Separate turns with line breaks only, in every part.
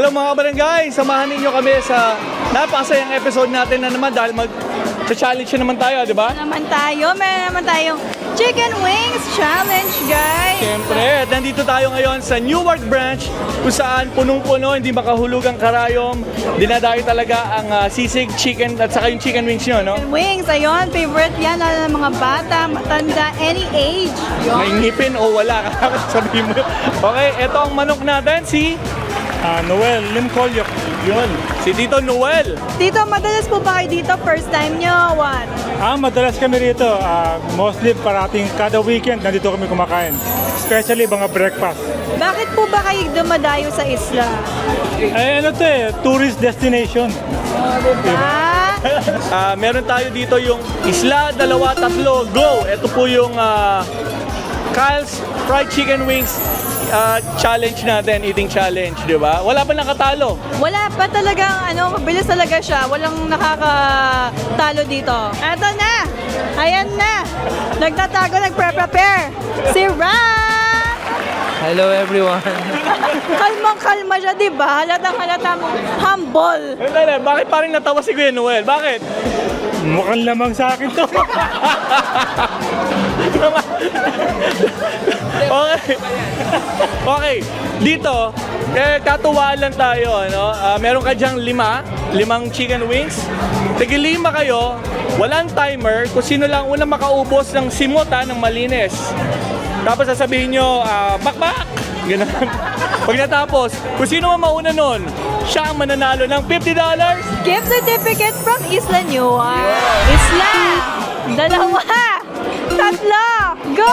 Eto mga kabarangay, samahan ninyo kami sa napakasayang episode natin na naman dahil mag-challenge naman tayo, di ba?
Meron naman tayong Chicken Wings Challenge, guys!
Siyempre, at nandito tayo ngayon sa Newark Branch kung saan punong-puno, hindi makahulugang karayom. Dinadayo talaga ang sisig, chicken at saka yung chicken wings nyo, no?
Wings, ayun, favorite yan lalo ng mga bata, matanda, any age.
May ngipin o wala, sabihin mo. Okay, eto ang manok natin, si
Noel Limcolyok.
yun, si Tito Noel.
Tito, madalas po ba kayo dito? First time nyo? What?
Madalas kami rito. Mostly parating kada weekend nandito kami kumakain. Especially mga breakfast.
Bakit po ba kayo dumadayo sa isla?
Tourist destination.
Meron tayo dito yung Isla, Dalawa, Tatlo, Go! Ito po yung Kyle's Fried Chicken Wings challenge natin, eating challenge, di ba? Wala pa nakatalo.
Wala pa talagang, mabilis talaga siya. Walang nakakatalo dito. Eto na! Ayan na! Nagtatago, nagpre-prepare! Si Ram!
Hello everyone.
Kalmang-kalma siya, di ba? Halatang-halata mo. Humble!
Bakit parang natawa si Kuya Noel? Bakit?
Mukhang lamang sa akin to.
Okay. Okay. Dito, katuwaan lang tayo, ano? Meron ka diyang limang chicken wings. Tigil-lima kayo, walang timer, kung sino lang unang makaubos ng simota ng malinis. Tapos sasabihin nyo, bakbak! Ganun. Pag natapos, kung sino man mauna nun, siya ang mananalo ng $50.
Gift certificate from Isla Newark. Isla! Dalawa! Tatlo! Go!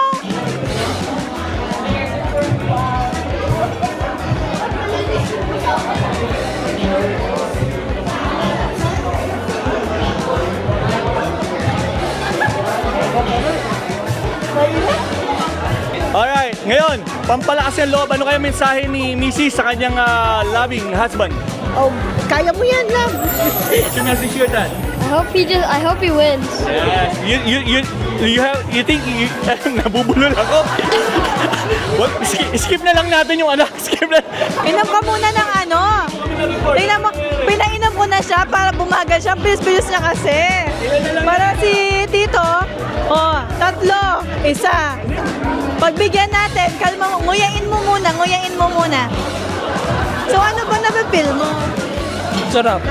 Alright, ngayon, pampalakas ng loob, ano kaya mensahe ni Mrs. sa kanyang loving husband?
Oh, kaya mo yan, love.
She message you that.
I hope he wins.
Yes. You think nabubulol ako? What? Skip na lang natin yung skip na.
Inom ka muna ng Tingnan mo, pinainom ko na siya para bumagal siya. Bilis-bilis niya kasi. Para si Tito, tatlo, isa. Pagbigyan natin, kalma mo, nguyain mo muna. So ano ba napipil mo?
Sarap.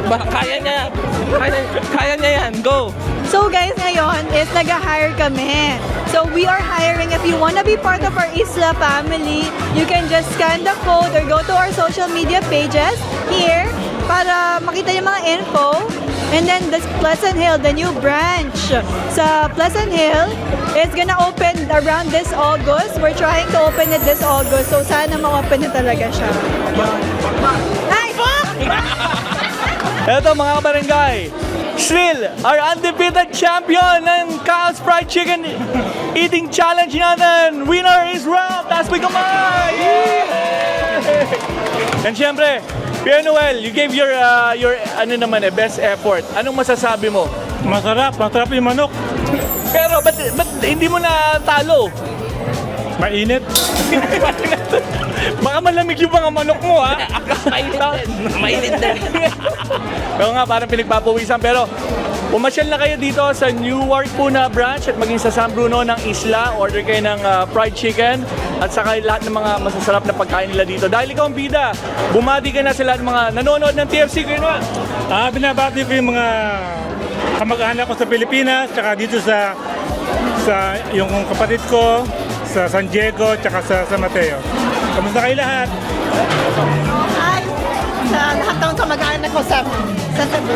Kaya niya yan. Go!
So guys, ngayon is nag-hire kami. So we are hiring. If you wanna be part of our Isla family, you can just scan the code or go to our social media pages here para makita yung mga info. And then this Pleasant Hill, the new branch sa Pleasant Hill is gonna open around this August. We're trying to open it this August. So sana ma-open na talaga siya. Ay!
Eto mga kabarangay, still, our undefeated champion ng Kyle's Fried Chicken Eating Challenge natin. Winner is Ram! Taas mo kamay! And syempre, Kuya Noel, you gave your best effort. Anong masasabi mo?
Masarap yung manok.
Pero ba't hindi mo na talo?
Mainit.
Baka malamig yung mga manok mo, ha?
Mainit din.
Pero nga, parang pinagpapawisan. Pero pumasyal na kayo dito sa Newark po na branch at maging sa San Bruno ng Isla. Order kayo ng fried chicken at saka lahat ng mga masasarap na pagkain nila dito. Dahil ikaw ang bida, bumati ka na sa lahat ng mga nanonood ng TFC. Kuya Noel.
Binabati ko yung mga kamag-anak ko sa Pilipinas, tsaka dito sa yung kapatid ko sa San Diego, tsaka sa San Mateo. Kamusta kayo lahat?
Hi. Sa lahat ng kamag-anak ko sa Cebu.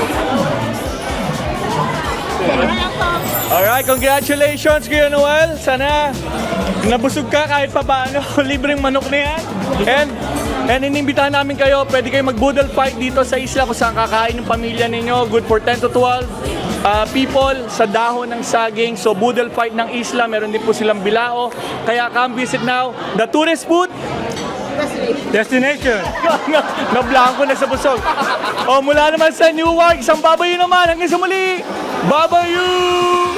Alright, congratulations Kuya Noel. Sana nabusog ka kahit pa paano. Libreng manok na yan. And inimbitahan namin kayo, pwede kayo mag-boodle fight dito sa isla kung saan kakain ng pamilya ninyo. Good for 10 to 12 people sa dahon ng saging. So boodle fight ng isla, meron din po silang bilao. Kaya come visit now. The tourist food
Destination.
na-blanco na sa busog. Mula naman sa Newark, isang babayu naman. Hanggang sa muli, babayu!